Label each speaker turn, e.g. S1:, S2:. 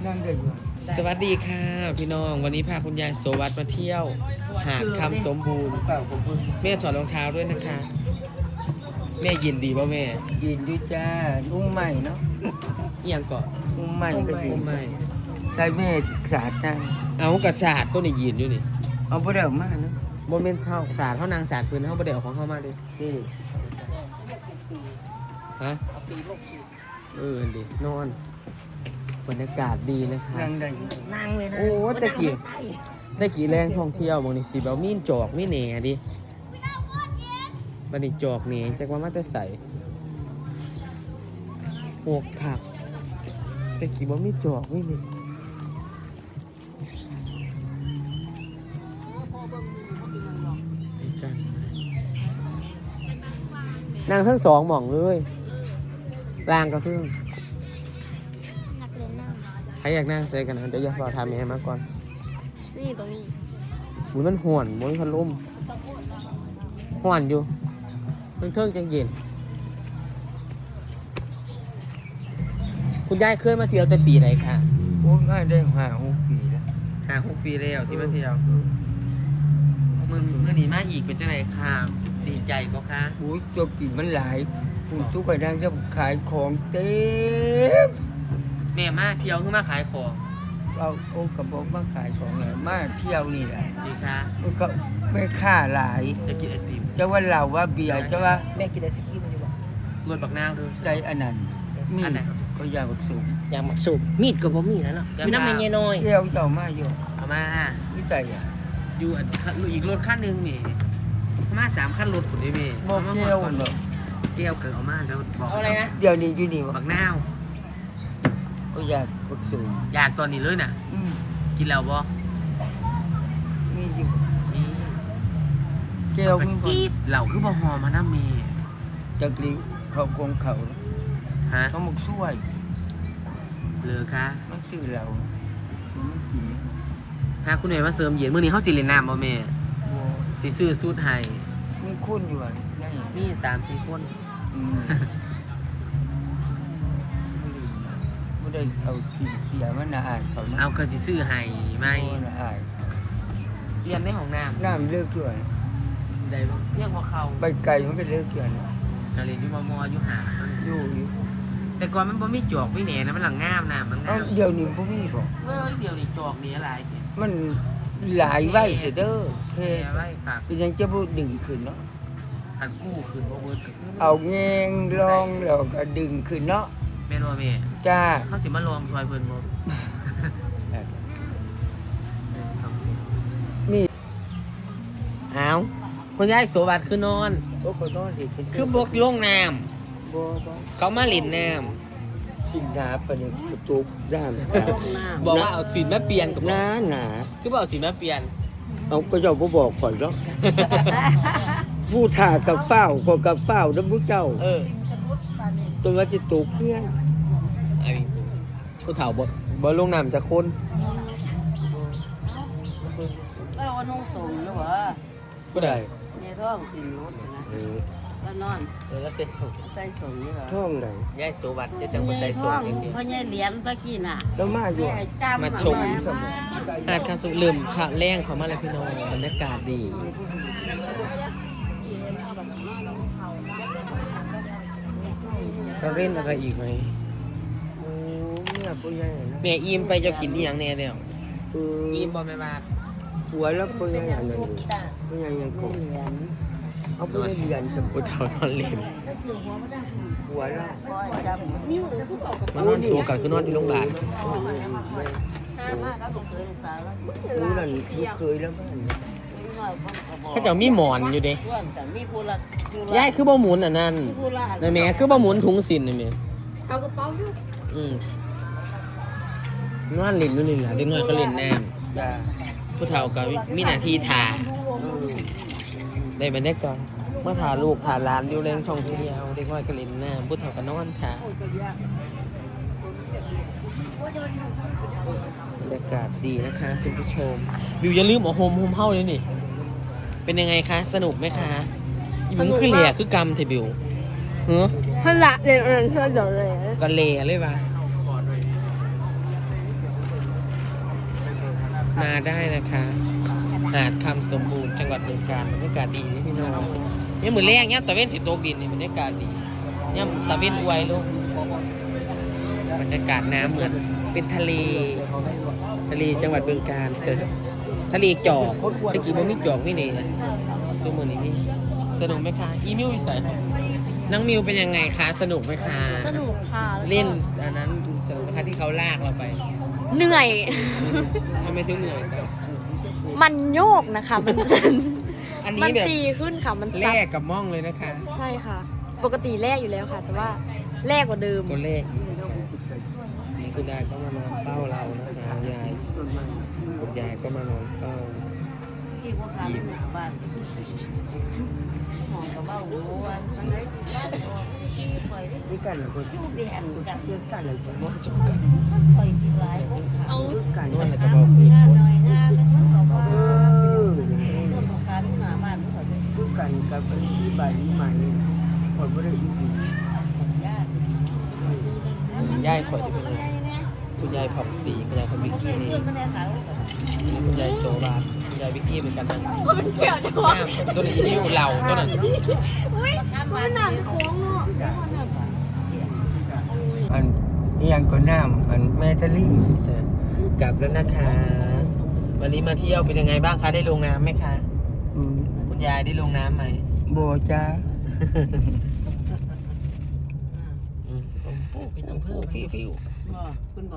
S1: นั่งได้อยู่
S2: สวัสดีค่ะพี่น้องวันนี้พาคุณยายโสวัสดิ์มาเที่ยว หาดคำสมบูรณ์
S1: เปล่าผมเพิ่ง
S2: แม่ถอดรองเท้าด้วยนะคะ แม่ยินดีป่ะแม่
S1: ยินดีจ้าอุ้มใหม่เนาะ
S2: เอียงเกาะ
S1: อุ้มใหม่ก็ดี
S2: ไม่
S1: ใส่แม่ศึกษาจ้า
S2: เอากระสาดตัวนี้ยืนอยู่นี่
S1: เอาไปเดี๋ยวมาเนาะ
S2: โมเมนต์เท่าสาดเท่านางสาดพื้นเท่าประเดี๋ยวของเข้ามาดิ
S1: นี่
S2: ฮะดีนอนบรรยากาศดีนะคะ
S1: นั่งได้อยู่
S3: นั่งเลยนะ
S2: โอ้ตะกี้แรงท่องเที่ยวบางนี่สิแบบมีนจอกมีแหน่ดิบันนี้จอกแหน่จากว่ามาแต่ใส่หวกขักตะกี้บ่มีจอกมีแหน่นางทั้งสองหม่องเลยล่างก็เพิ่ง
S3: นักเรียนนั่ง
S2: ใครอยากนั่งเซกันนะเดี๋ยวอยากรอทำเองมาก่อน
S3: นี่ตรงนี้
S2: อุ้ยมันห่วนมันพัดลมห่วนอยู่เพิ่งจังเย็นคุณยายเคยมาเที่ยวแต่ปีไหนคะ
S1: โอ้ง่ายได้5-6 ปีแล้ว
S2: 6 ปีแล้วที่มาเที่ยวมือหนีมาอีกเป็นจังไรค่ะดีใจก็ค่ะ
S1: โอ้ยจกกินมันหลายคุณทุกคนนั่งจะขายของเต็ม
S2: แม่มาเที่ยวคือมาขายของ
S1: เอาโอ้กระบอกมาขายของเลยมาเที่ยวนี่แหละ
S2: ดีค่ะ
S1: มันก็ไม่ค่าหลาย
S2: จะกินไอติม
S1: จะว่าเราว่าเบียร์จะว่า
S3: แม่กินไอศกรีมอยู่บ่
S2: รวดปักนาวด้วย
S1: ใจอันนั้นมี
S2: อันไหน
S1: ก็อยากบักสูง
S3: อยากหมักสูบมีดกับผมมีแล้วเนาะมีน้ำมันเยน้อย
S1: เที่ยวเจ้ามาอยู่
S2: เอามา
S1: วิจัยอ่ะ
S2: อยู่อีกรถขั้นหนึ่งนี่มา3ขั้นรถผมได้ไหม
S1: บอกเที่ยวเนาะ
S2: เกี่ยวเกิดเอามาแล้วบอก
S3: เอาอะไรนะ
S1: เดี๋ยวนี้อยู่นี่วะ
S2: ปักนาว
S1: ก็อยากบักสูง
S2: อยากตอนนี้เลยน่ะ
S1: อืม
S2: กินแล้วบ่
S1: มีอยู่
S2: มี
S1: เที่ยวมีบ่
S2: กีบเหล่าคือบ่หอมาน้าเม
S1: จักรีเขาคงเขา
S2: ฮะ
S1: เขาหมกช่วย
S2: เหลือค่ะ
S1: มันซื้อเรามันกิน
S2: หาคุณแม่มาเสริมเย็นมื้อนี้เฮาจิเล่นน้ำบ่แม่
S1: บ่
S2: สิซื้อสูตรให้
S1: มีคนอยู่อ่ะนั่น
S2: มี 3-4 คน
S1: อืมไม่ได้เอาเสียมันน่าอายเขานะ
S2: เอาก็สิซื้อให้ไหม
S1: โอ้น่าอาย
S2: เรียนในห้องน้ำ
S1: น้ำเลิกอยู่อะ
S2: ได้บ่เรียกว่าเข้า
S1: ใบไก่มันก็เลิกอยู่อะนะ
S2: ก็เรียนอยู่มอยู่หา
S1: อยู่
S2: แต่ก่อนมันบ่มีจอกมีแหน่นะมันหลังงามน้ำมัน
S1: เอ้าง
S2: าม
S1: เดี๋ยวนี้บ่มีบ่
S2: เดี๋ยวนี้จอกนี่อะไร
S1: มันหลายไว้เสยเด้อเพ
S2: แค่ไว้ค่ะ
S1: คือยังจะบ่ดึงขึ้นเนาะ
S2: คันกู้คืนบ่เบิดก็คือ
S1: เอาแงงลองแล้วก็ดึงขึ้นเนาะ
S2: แม่นบ่แม่
S1: จ้า
S2: เขาสิมาลองซอยเพิ่นบ่
S1: นี่
S2: อ้าวคุณยายโสวัสดิ์คือนอน
S1: โอ้ขอโทษดิ
S2: คือบกลงน้
S1: บ่
S2: ำเขามาหลินน้
S1: สินดาปะเนี่ยกระตุกด้าน
S2: ำบอกว่าเอาสินมาเปลี่ยนกับ
S1: หนาหนา
S2: คือบอกเอาสินมาเปลี่ยน
S1: เอาก็เจ้าบ่บอกข่อยเนาะผู้ถ่ากับเฝ้าก็กับเฝ้าเด้อผู้เจ้า ตัวสิตกเพื่อน
S2: ไอ้ผู้เฒ่าบ่ลงน้ำจะคน
S4: ก็ว่านุ่งสูงหรือว่า
S2: ก็ได้
S4: เนี่ยท้องสินรถนะแล้วนอน
S2: แล้วเต้นส่ง
S4: ใส่สูงนี่เหรอ
S1: ท่องไหน
S2: ยายโสวัสดิ์จะจังบ่ใส่ส่งอย่างเดียว
S4: เพราะเนี่ยเหรียญตะกี้น่ะ
S1: แล้วมาอยู่
S4: แม่จำ
S2: มาชม หาดคำสุลืมขาแรงเขามาแล้วพี่น้องบรรยากาศดีเราเล่นอะไรอีกไหม
S1: โอ้เนี่ยผู้ใหญ่นะ
S2: แม่อิ่มไปจะกินอีหยังแน่เดียว
S1: เออ
S2: อิ่มบ่แม่บาท
S1: หัวแล้วผู้ใหญ่อันนั้นอยู่ผู้ใหญ่ยังคง
S4: เหรียญ
S1: เอาผู้ใหญ่เรียนสม
S2: ผู้เฒ่านอนเล่น
S1: หัวแล้ว
S4: ก้อยจำนิ้วผู้เก่ากับ
S2: มานอนสูกันคือนอนที่โรงพยาบาล
S4: ห้ามากแล้วผมเคยสาวแล้ว
S1: รู้นั่นรู้เคยแล้วบ้าน
S4: นิดหน่อยคนกระบอก
S2: เขาจะมีหมอนอยู่เด้
S4: ส่วนแต่มีผู้ละ
S2: ยายคือบ่หมุนอันนั้น
S4: ผู้ละ
S2: นายแม่คือบ่หมุนถุงสินนี่แม่
S4: เอากระเป๋าอยู่
S2: นอนเล่นอยู่นี่ล่ะเด็กน้อยก็เล่นน้
S1: จ้า
S2: ำผู้เฒ่าก็มีหน้าที่ทาได้บรรยากาศเมื่อพาลูกพาหลานอยู่เล่นช่องเที่ยวเด็กน้อยก็เล่นน้ำผู้เฒ่าก็นอนทาบรรยากาศดีนะคะคุณผู้ชมบิวอย่าลืมเอาโฮมเฮ้าเลยนี่เป็นยังไงคะสนุกไหมคะอีมันคือเหล่คือกรรมเทบิวเฮ้อ
S3: พละเรียนอันนั้นเพื่อนเดี๋ยวเลย
S2: ก็เหล่เลยว่ะมาได้นะคะ หาดคำสมบูรณ์จังหวัดบึงกาฬบรรยากาศดีนี่พี่น้องเนี่ยเหมือนแรงเนี่ยตะเวนสิตกดินนี่บรรยากาศดีเนี่ยตะเวนอวยลูกบรรยากาศน้ำเหมือนเป็นทะเลจังหวัดบึงกาฬทะเลจอกตะกี้มันมีจอกนี่นี่นะซูมือนี่นี่สนุกไหมคะอีมิววิสัยค่ะน้องมิวเป็นยังไงคะสนุกไหมคะ
S3: สนุกค่ะแล้วก็
S2: เล่นอันนั้นสนุกไหมคะที่เขาลากเราไป
S3: เหนื่อย
S2: ทำไมถึงเหนื่อย
S3: มันโยกนะคะ มัน
S2: อัน
S3: มั
S2: นี้
S3: น
S2: แบบ
S3: ตีขึ้นค่ะ มัน
S2: แล
S3: ซับ
S2: กกับม่องเลยนะคะ
S3: ใช่ค่ะ ปกติแรกอยู่แล้วค่ะ แต่ว่าแรกกว่าเดิม
S2: ตัวเลขนี่คุณยายก็มานอนเฝ้าเรานะคะยายคุณยายก็มานอนเฝ้า
S4: ที่พวกเขาบ้านหอมกระเบ้าหัวมันได้ที่ปล่อยได้
S1: นี่กันคน
S4: ลูกเดียนกับ
S1: เพื่อนสั่นเลยผมว่า
S4: ปล่อยที่ร้ายของเขา
S1: กัน
S2: นวดอะไรก็บอกคือ
S4: หน้าหน่อยหน้าแล้วมันก็บอก
S1: เอ
S4: ว่า
S1: อ
S4: ต้นของการหน้าบ้านเขาเป็น
S1: คือกันกับที่ใบใหม่คนไม่ได้ยินดี
S4: ญาติ
S2: ยายขอจะเป็นไงคุณยายผับสีคุณยายคนวิกกี้นี่
S4: เพื่อนไม่ได้ขาย
S2: คุณยายโซบาคุณยายวิกกี้เหมือนกันนะ
S3: มันเกี่ยวจังวะ
S2: ตัวนี้นิ้วเหล่าตัวนั้น
S3: มันหนักโค้งเนาะ
S1: อันนี้ยังก็น้ำอันแมทลี่
S2: กลับแล้วนะคะ วันนี้มาเที่ยวเป็นยังไงบ้างคะได้ลงน้ำไหมคะ คุณยายได้ลงน้ำไหม
S1: โบจ้า
S2: เป็นอำเภอฟิว